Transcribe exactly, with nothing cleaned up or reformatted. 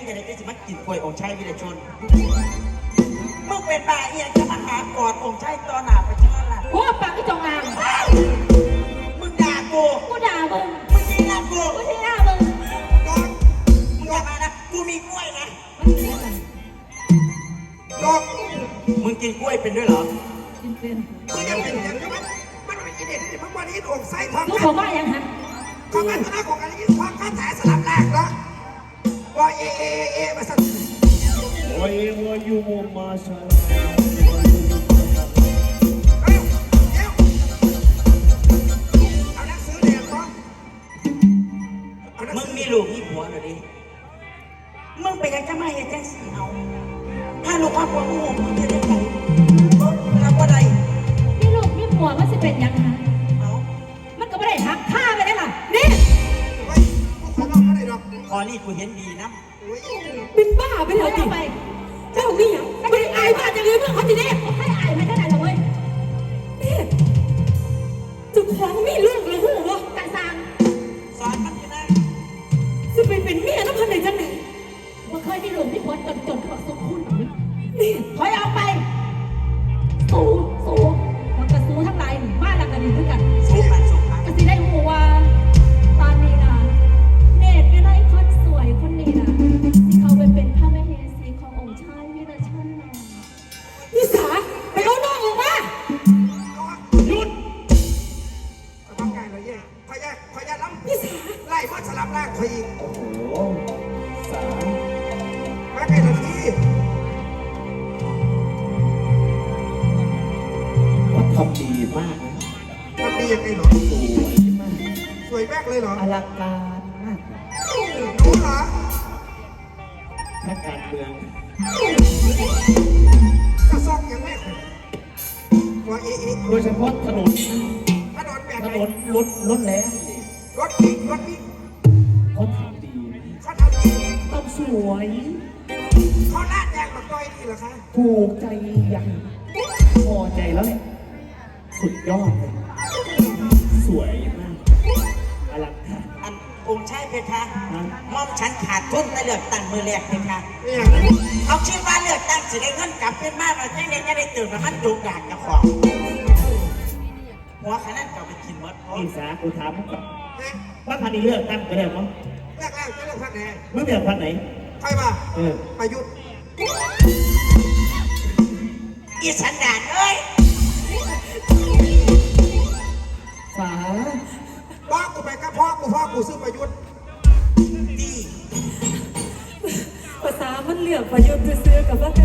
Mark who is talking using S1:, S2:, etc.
S1: จะได้จะมากินกล้วยองค์ชายวิรชนมึงเป็นบ้าเอียงจะมาหากอดองค์ชายตอนหนาประชาล่ะ
S2: พวกปากที่จงอาง
S1: มึงด่ากู
S2: กูด่ามึง
S1: มึงชี้หน้ากู
S2: กูชี้หน้ามึง
S1: กอดมึงอย่ามานะกูมีกล้วยนะกอดมึงกินกล้วยเป็นด้วยเหรอ
S2: กินเป็น
S3: มึงยังเป็นอย่างนี้มันมันเป็นอีเด็ดที่มึงวันนี้องค์ใส่ทอง
S2: มึงบอกว่าอย่างฮะ
S3: ของกันตนาของกันยิ่งความข้าแถสลับแรกแล้วว่าเอเอเอมาสั่น
S4: ว่าเอว่ายูโมมาชา
S1: มึงมีลูกมีผัวหรือดิมึงไปยังจะมาอย่างจังสีเอาถ้าลูกว่าผัวมึงมึงจะได้ไงรับว่าใด
S2: มีลูกมีผัวมันจะเป็นยังฮะ
S1: เอา
S2: มันก็ไม่ได้ทักฆ่าไปได้หรอนี่
S3: ขอร้องไม่ได้หรอก
S1: พอนี่กูเห็นดีนะ
S2: เป็นบ้าไปเลยดิเจ้านี่ยังไม่ได้อายบ้าจะลืมเรื่องเขาทีนี้ให้อายไม่ได้ไหนหรอกเว้ยนี่จุกของมีลูกเลยหูวะกันซาง
S1: สอนมันอยู่นะ
S2: จะไปเป็นเมียน้ำพันไหนจังไหนว่าเคยมีลูกมีผัวจนจนเขาสมคุณนี่ถอยออกไปสู้สู้มันก็สู้ทั้งหลายบ้านหลังกันดีด้วยกัน
S1: สู้กันสู้กัน
S2: ก็สิได้หัวตอนนี้นะเนตรวิไลคนสวยคนนี้นะที่เขาไปเป็นพระมเหสีขององค์ชายวิรชนนะนิสาไปเอาน้องออกมา
S3: หยุดต้องไงเลยเย่ขอแยกขอแยกล้ำ
S2: นิสา
S3: ไล่มาสลับแรกขอยิง
S4: โอ้โหสาม
S3: มาไงละที
S4: ว่าทำดีมากนะ
S3: ทำดียังไงหรอ
S4: สวยมาก
S3: สวยมากเลยเหรอ
S4: อลังการมาก
S3: รู้เหรอ
S4: ถ้าการเมือง
S3: กระซอกยังไม่ว่าเอเอ
S4: โดยเฉพาะถนน
S3: ถนนแบบ
S4: ถนนรถรถแล้ว
S3: รถบิ๊กรถบิ๊ก
S4: เขาทำดี
S3: เขาทำดี
S4: ต้องสวย
S3: เขาลาดแดงแบบต้อยดีเหรอคะ
S4: ถูกใจยังพอใจแล้วเนี่ยสุดยอดเลยสวยมากอลังการ
S1: อันองค์ชายเพคะมอมฉันขาดทุนในเลือกตั้งมือแรกเพคะเอาชื่อว่าเลือกตั้งสิได้เงินกลับเป็นมากเราจะได้จะได้ตื่นมามันจุกอยากจะของหัวขนาดเก่าไปกินมด
S4: นี่สากูถามมึงก่อนว่าพันนี้เลือกตั้งไปแล้วมั้ง
S3: เลือกแล้วจะเลือกพักไหน
S4: มึงเลือกพันไหน
S3: ใครมา
S4: เออ
S3: ประยุทธ์
S1: อีสันดานเอ้ย
S4: สา
S3: พ่อกูไปกับพ่อกูพ่อกูซื้อประยุทธ์
S1: ดี
S2: ภาษามันเหลือกประยุทธ์ซื้อกับว่า